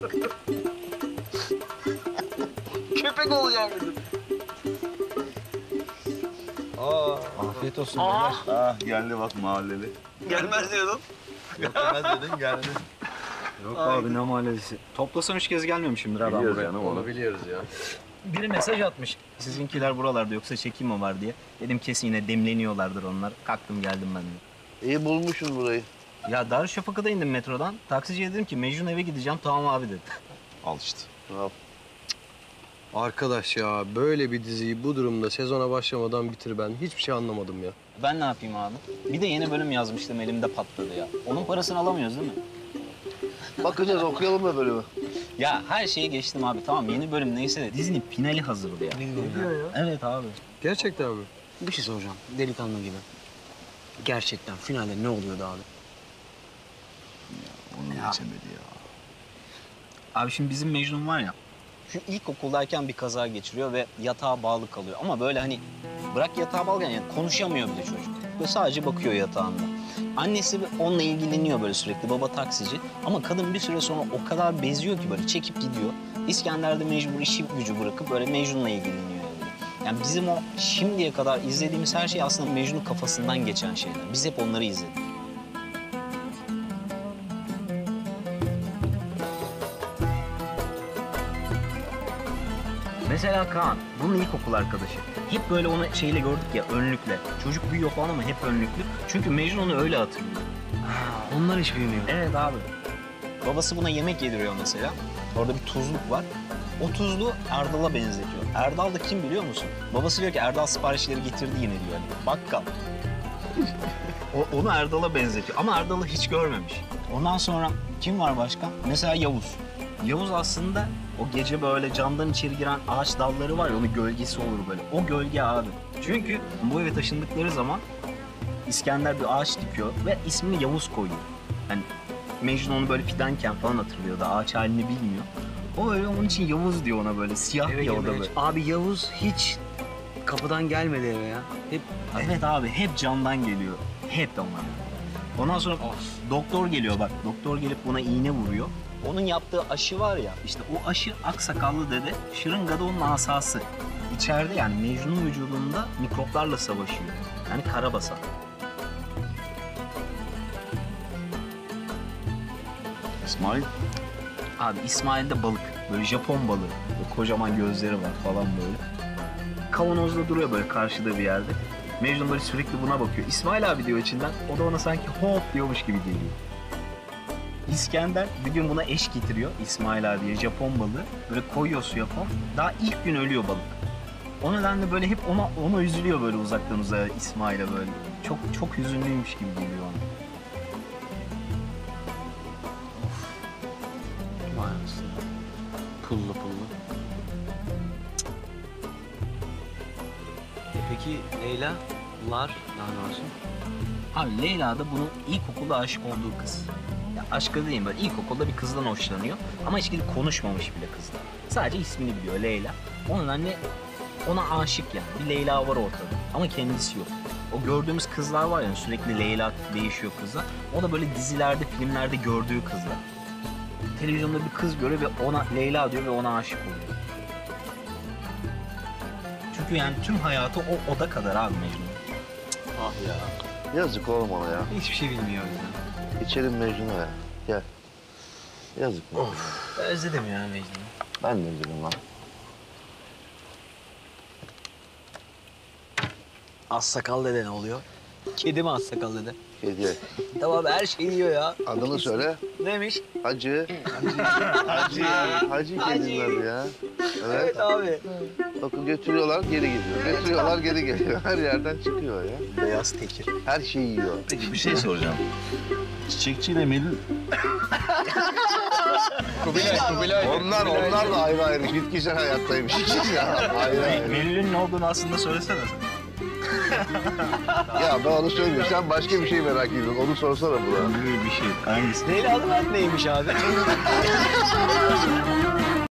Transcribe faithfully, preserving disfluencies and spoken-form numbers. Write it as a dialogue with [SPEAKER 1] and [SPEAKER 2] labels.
[SPEAKER 1] Köpek olacağım dedim.
[SPEAKER 2] Aa, afiyet olsun beyler.
[SPEAKER 3] Ah geldi bak mahalleli.
[SPEAKER 1] Gelmez diyordum.
[SPEAKER 2] Gelmez dedin, geldi.
[SPEAKER 4] Yok abi ne mahallesi. Toplasan üç kez gelmemişimdir abi ben
[SPEAKER 3] Biliyoruz
[SPEAKER 4] buraya.
[SPEAKER 3] canım
[SPEAKER 2] Onu
[SPEAKER 3] onu.
[SPEAKER 2] biliyoruz ya.
[SPEAKER 4] Biri mesaj atmış. Sizinkiler buralarda yoksa çekim mi var diye. Dedim kesin yine demleniyorlardır onlar. Kalktım geldim ben de.
[SPEAKER 5] İyi bulmuşsun burayı.
[SPEAKER 4] Ya Darüşşafaka'da indim metrodan. Taksiciye dedim ki Mecnun eve gideceğim. Tamam abi dedi.
[SPEAKER 3] Al işte.
[SPEAKER 5] Al.
[SPEAKER 2] Arkadaş ya böyle bir diziyi bu durumda sezona başlamadan bitir ben. Hiçbir şey anlamadım ya.
[SPEAKER 4] Ben ne yapayım abi? Bir de yeni bölüm yazmıştım elimde patladı ya. Onun parasını alamıyoruz değil mi?
[SPEAKER 5] Bakacağız, okuyalım da bölümü.
[SPEAKER 4] Ya her şeyi geçtim abi tamam yeni bölüm neyse de dizinin finali hazırdı ya.
[SPEAKER 2] Ne diyor ya?
[SPEAKER 4] Evet abi.
[SPEAKER 2] Gerçekten mi?
[SPEAKER 6] Bir şey soracağım delikanlı gibi. Gerçekten finalde ne oluyordu abi?
[SPEAKER 3] Onu geçemedi ya.
[SPEAKER 4] Abi şimdi bizim Mecnun var ya, şu ilkokuldayken bir kaza geçiriyor ve yatağa bağlı kalıyor. Ama böyle hani bırak yatağa bağlı yani konuşamıyor bile çocuk. Böyle sadece bakıyor yatağında. Annesi onunla ilgileniyor böyle sürekli, baba taksici. Ama kadın bir süre sonra o kadar beziyor ki böyle çekip gidiyor. İskender de mecbur işi gücü bırakıp böyle Mecnun'la ilgileniyor. Yani. yani bizim o şimdiye kadar izlediğimiz her şey aslında Mecnun'un kafasından geçen şeyler. Biz hep onları izledik. Mesela Kaan, bunun ilkokul arkadaşı. Hep böyle onu şeyle gördük ya, önlükle. Çocuk büyüyor falan ama hep önlüklü. Çünkü Mecnun onu öyle hatırlıyor.
[SPEAKER 6] Ha, onlar hiç bilmiyor.
[SPEAKER 4] Evet abi. Babası buna yemek yediriyor mesela. Orada bir tuzluk var. O tuzluğu Erdal'a benzetiyor. Erdal da kim biliyor musun? Babası diyor ki Erdal siparişleri getirdi yine diyor. Hani, bakkal. o, onu Erdal'a benzetiyor ama Erdal'ı hiç görmemiş. Ondan sonra kim var başka? Mesela Yavuz. Yavuz aslında o gece böyle camdan içeri giren ağaç dalları var ya, onun gölgesi olur böyle. O gölge abi. Çünkü bu eve taşındıkları zaman İskender bir ağaç dikiyor ve ismini Yavuz koyuyor. Hani Mecnun onu böyle fidanken falan hatırlıyor da ağaç halini bilmiyor. O öyle onun için Yavuz diyor ona böyle siyah
[SPEAKER 6] Eve
[SPEAKER 4] bir oda
[SPEAKER 6] girmeye-
[SPEAKER 4] böyle.
[SPEAKER 6] Abi Yavuz hiç kapıdan gelmedi eve ya. Hep
[SPEAKER 4] Evet abi hep camdan geliyor. Hep de onlar. Ondan sonra doktor geliyor bak. Doktor gelip buna iğne vuruyor. Onun yaptığı aşı var ya, işte o aşı aksakallı dede, şırıngada onun asası. İçeride yani Mecnun'un vücudunda mikroplarla savaşıyor. Yani karabasan.
[SPEAKER 3] İsmail.
[SPEAKER 4] Abi İsmail'de balık. Böyle Japon balığı. Böyle kocaman gözleri var falan böyle. Kavanozda duruyor böyle karşıda bir yerde. Mecnun böyle sürekli buna bakıyor. İsmail abi diyor içinden. O da ona sanki hop diyormuş gibi geliyor. İskender bir gün buna eş getiriyor İsmail abiye Japon balığı. Böyle koyuyor suya falan. Daha ilk gün ölüyor balık. O nedenle böyle hep ona ona üzülüyor böyle uzaktan uzağa İsmail'e böyle. Çok çok hüzünlüymüş gibi geliyor ona.
[SPEAKER 6] vay anasını. Pullu pullu. E peki Leyla, Lar daha ne olsun?
[SPEAKER 4] Abi Leyla da bunun ilkokulda aşık olduğu kız. Ya aşkı değil böyle ilkokulda bir kızdan hoşlanıyor ama hiç gidip konuşmamış bile kızla. Sadece ismini biliyor Leyla. Onun anne ona aşık yani. Bir Leyla var ortada ama kendisi yok. O gördüğümüz kızlar var ya sürekli Leyla değişiyor kızlar. O da böyle dizilerde, filmlerde gördüğü kızlar. Televizyonda bir kız görüyor ve ona Leyla diyor ve ona aşık oluyor. Çünkü yani tüm hayatı o oda kadar abi Mecnun.
[SPEAKER 2] Ah ya.
[SPEAKER 5] Yazık oğlum ona ya.
[SPEAKER 6] Hiçbir şey bilmiyor o yüzden.
[SPEAKER 5] İçelim Mecnun'a ya. Gel. Yazık mı?
[SPEAKER 6] Özledim ya Mecnun'u.
[SPEAKER 5] Ben de üzüldüm lan.
[SPEAKER 6] Az sakal dede ne oluyor? Kedi mi az sakal dede?
[SPEAKER 5] Kediye.
[SPEAKER 6] Tamam her şeyi yiyor ya.
[SPEAKER 5] Adını söyle.
[SPEAKER 6] Neymiş?
[SPEAKER 5] Hacı. Hacı. Hacı kedinin adı ya. Evet.
[SPEAKER 6] Evet abi.
[SPEAKER 5] Bakın götürüyorlar geri geliyor. Götürüyorlar geri geliyor. Her yerden çıkıyor ya.
[SPEAKER 6] Beyaz tekir.
[SPEAKER 5] Her şeyi yiyor.
[SPEAKER 3] Peki bir şey soracağım. Çiçekçiyle Melül
[SPEAKER 2] Kubilay, Kubilay.
[SPEAKER 5] Onlar onlar da ayrı ayrı bitkisel hayattaymış. Ya, ayrı ayrı.
[SPEAKER 4] Melül'ün ne olduğunu aslında söylesene sen.
[SPEAKER 5] Ya ben onu söyleyeyim. Sen başka bir şey merak ediyorsun. Onu sorsana buna.
[SPEAKER 4] Böyle bir şey. Hangisi?
[SPEAKER 6] Leyla'lı ben neymiş abi?